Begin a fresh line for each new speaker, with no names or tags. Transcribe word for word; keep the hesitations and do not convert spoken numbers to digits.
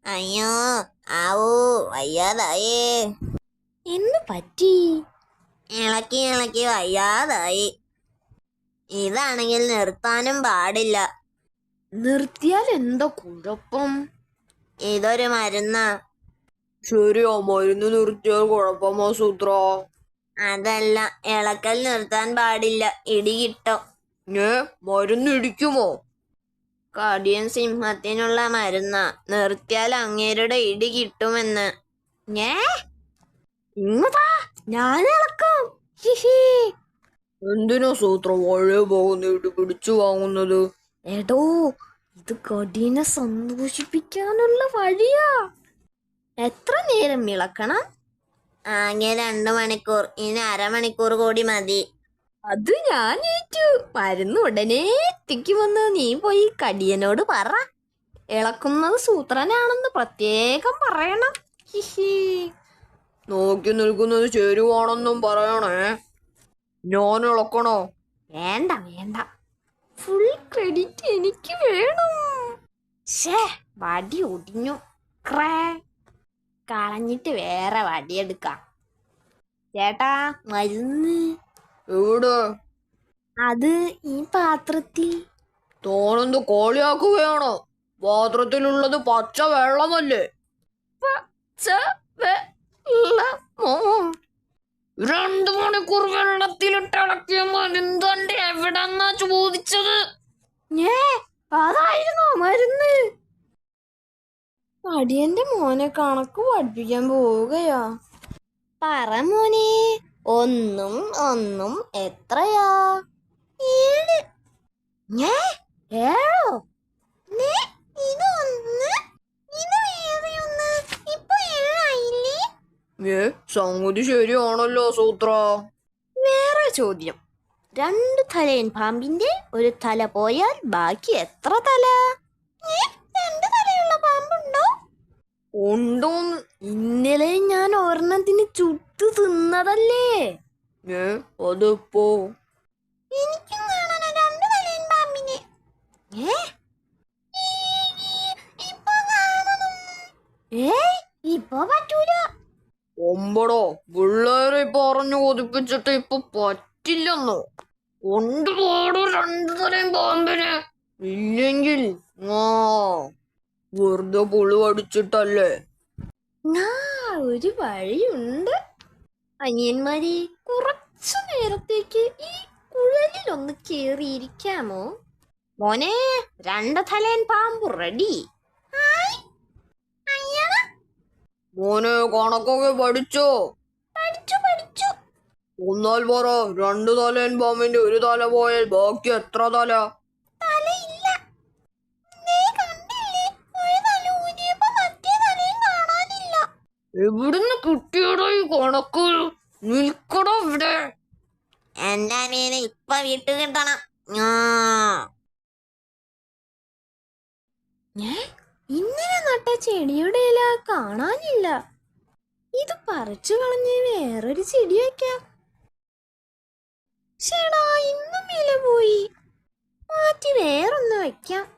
അയ്യോ ആവൂ വയ്യാതായേ.
എന്ന് പറ്റി?
ഇളക്കി ഇളക്കി വയ്യാതായി. ഇതാണെങ്കിൽ നിർത്താനും പാടില്ല.
നിർത്തിയാൽ എന്താ കുഴപ്പം?
ഇതൊരു മരുന്നാ.
ശരിയാ, മരുന്ന് നിർത്തിയാൽ കുഴപ്പമോ സൂത്ര?
അതല്ല, ഇളക്കൽ നിർത്താൻ പാടില്ല, ഇടി കിട്ടും.
ഏ മരുന്ന് ഇടിക്കുമോ?
കടിയൻ സിംഹത്തിനുള്ള മരുന്നാ, നിർത്തിയാൽ അങ്ങേരുടെ ഇടി കിട്ടുമെന്ന്.
ഞേ ഇങ്ങതാ, ഞാൻ ഇളക്കാം.
എന്തിനാ സൂത്ര വഴി പോകുന്ന ഇടി പിടിച്ചു വാങ്ങുന്നത്?
എടോ, ഇത് കടീനെ സന്തോഷിപ്പിക്കാനുള്ള വഴിയാ. എത്ര നേരം ഇളക്കണം?
ആകെ രണ്ടു മണിക്കൂർ, ഇനി അരമണിക്കൂർ കൂടി മതി.
അത് ഞാൻ ഏറ്റു. മരുന്ന് ഉടനെ എത്തിക്കുമെന്ന് നീ പോയി കടിയനോട് പറ. ഇളക്കുന്നത് സൂത്രനാണെന്ന് പ്രത്യേകം പറയണം. ഹിഹി.
നോക്കി നിൽക്കുന്നത് ശരിയാണെന്നും പറയണേ. ഞാൻ ഇളക്കണോ?
വേണ്ട വേണ്ട, ഫുൾ ക്രെഡിറ്റ് എനിക്ക് വേണം. ഷേ, വടി ഒടിഞ്ഞു. ക്രേ കളഞ്ഞിട്ട് വേറെ വടിയെടുക്കാം. ചേട്ടാ, മരുന്ന്
എവിടെ?
അത് ഈ പാത്രത്തിൽ.
തോനെന്ത് കോളിയാക്കുകയാണോ? പാത്രത്തിലുള്ളത് പച്ച വെള്ളമല്ലേ?
പച്ച വെള്ളമോ?
രണ്ടു മണിക്കൂർ വെള്ളത്തിലിട്ട് ഇളക്കിയ മരുന്ന് എവിടെന്നാ ചോദിച്ചത്?
ഏ അതായിരുന്നോ മരുന്ന്? അടിയന്റെ മോനെ കണക്ക് പഠിപ്പിക്കാൻ പോവുകയാ. പറ മോനെ, ഒന്നും ഒന്നും എത്രയാ? ഏഴ്. ഏ ഏഴോ? ഇതൊന്ന്, ഇത് വേറെ ഒന്ന്. ഇപ്പൊ ഏഴായില്ലേ?
ഏ സംഗതി ശരിയാണല്ലോ സൂത്ര.
വേറെ ചോദ്യം. രണ്ട് തലയൻ പാമ്പിന്റെ ഒരു തല പോയാൽ ബാക്കി എത്ര തല? രണ്ട് തലയുള്ള പാമ്പുണ്ടോ?
ഉണ്ടോന്ന്?
ഇന്നലെ ഞാൻ ഒരെണ്ണത്തിന് ചുട്ടു തിന്നതല്ലേ.
ഏ അതിപ്പോ?
എനിക്കും കാണാൻ രണ്ട് തലയൻ പാമ്പിനെ. ഏ ഇപ്പൊ പറ്റൂല.
ഒമ്പടോ, പിള്ളേരെ പറഞ്ഞു കൊതിപ്പിച്ചിട്ട് ഇപ്പൊ പറ്റില്ലെന്നോ? കൊണ്ടുപോടോ രണ്ടു തലയും പാമ്പിന്. ഇല്ലെങ്കിൽ ആ വെറുതെ പുളി അടിച്ചിട്ടല്ലേ.
ആ ഒരു വഴിയുണ്ട്. അനിയന്മാരെ, കുറച്ചു നേരത്തേക്ക് ഈ കുഴലിലൊന്ന് കേറിയിരിക്കാമോ? മോനെ, രണ്ട് തലയൻ പാമ്പ് റെഡി.
മോനെ, കണക്കൊക്കെ പഠിച്ചോ?
പഠിച്ചു പഠിച്ചു.
ഒന്നാൽ പറ, രണ്ടു തലയൻ പാമ്പിന്റെ ഒരു തല പോയാൽ ബാക്കി എത്ര തല?
തലയില്ല. ഒരു തല ഊരിയപ്പോ മറ്റേ തലയും കാണാനില്ല.
എവിടുന്ന് കിട്ടിയടോ ഈ കണക്ക്? നിൽക്കടോ ഇവിടെ.
എന്റെ മീന് ഇപ്പൊ വിട്ടു കിട്ടണം.
ഇന്നലെ നട്ട ചെടിയുടെ ഇല കാണാനില്ല. ഇത് പറിച്ചു കളഞ്ഞ് വേറൊരു ചെടി വെക്കാം. ചേടാ, ഇന്നും ഇല പോയി. മാറ്റി വേറൊന്ന് വെക്കാം.